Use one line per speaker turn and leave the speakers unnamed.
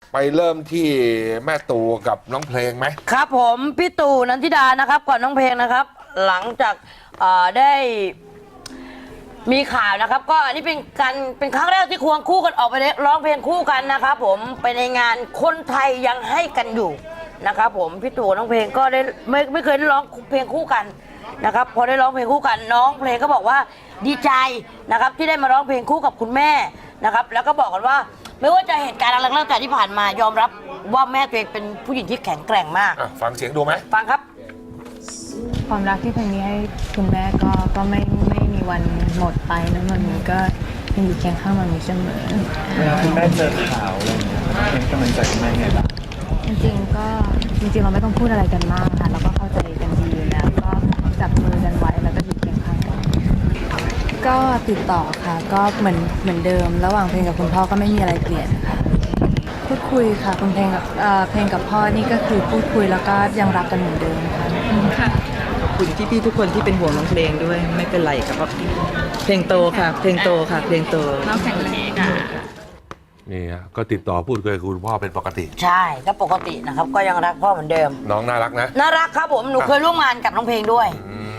ไปเริ่มที่แม่ตู่กับน้องเพลงไหม
ครับผมพี่ตู่นันทิดานะครับก่อนน้องเพลงนะครับ หลังจากได้มีข่าวนะครับ ก็อันนี้เป็นครั้งแรกที่ควงคู่กันออกไปร้องเพลงคู่กันนะครับผมไปในงานคนไทยยังให้กันอยู่นะครับผมพี่ตู่น้องเพลงก็ได้ไม่เคยได้ร้องเพลงคู่กันนะครับพอได้ร้องเพลงคู่กันน้องเพลงก็บอกว่าดีใจนะครับที่ได้มาร้องเพลงคู่กับคุณแม่นะครับแล้วก็บอกกันว่าไม่ว่าจะเหตุการณ์อะไรก็แล้วแต่ที่ผ่านมายอมรับว่าแม่ตัวเองเป็นผู้หญิงที่แข็งแกร่งมาก
ฟังเสียงดูไหม
ฟังครับ
ความรักที่เพลงนี้ให้คุณแม่ก็ไม่มีวันหมดไปนะมันมีก็ยังอยู่เคียงข้างมันมีเสมอ
เวลาคุณแม่เจอข่าวอะไรอย่างเงี้ยเป็นกำลังใจคุณแม่ไงบ้าง
จริงเราไม่ต้องพูดอะไรกันมากค่ะเราก็เข้าใจกันดีอยู่แล้วก็จับมือกันไว้แล้วก็อยู่เคียงข้างกันก็ติดต่อค่ะก็เหมือนเดิมระหว่างเพลงกับคุณพ่อก็ไม่มีอะไรเปลี่ยนค่ะพูดคุยค่ะคุณเพลงกับพ่อนี่ก็คือพูดคุยแล้วก็ยังรักกันเหมือนเดิมค่ะ
ขอบคุณพี่ๆทุกคนที่เป็นห่วงน้องเพลงด้วยไม่เป็นไรครับเพลงโตค่ะเพลงโตค่ะเพลงโต
น้องแข็งแรงค่ะ
นี่ก็ติดต่อพูดคุยกับคุณพ่อเป็นปกติ
ใช่ก็ปกตินะครับก็ยังรักพ่อเหมือนเดิม
น้องน่ารักนะ
น่ารักครับผมหนูเคยร่วมงานกับน้องเพลงด้วย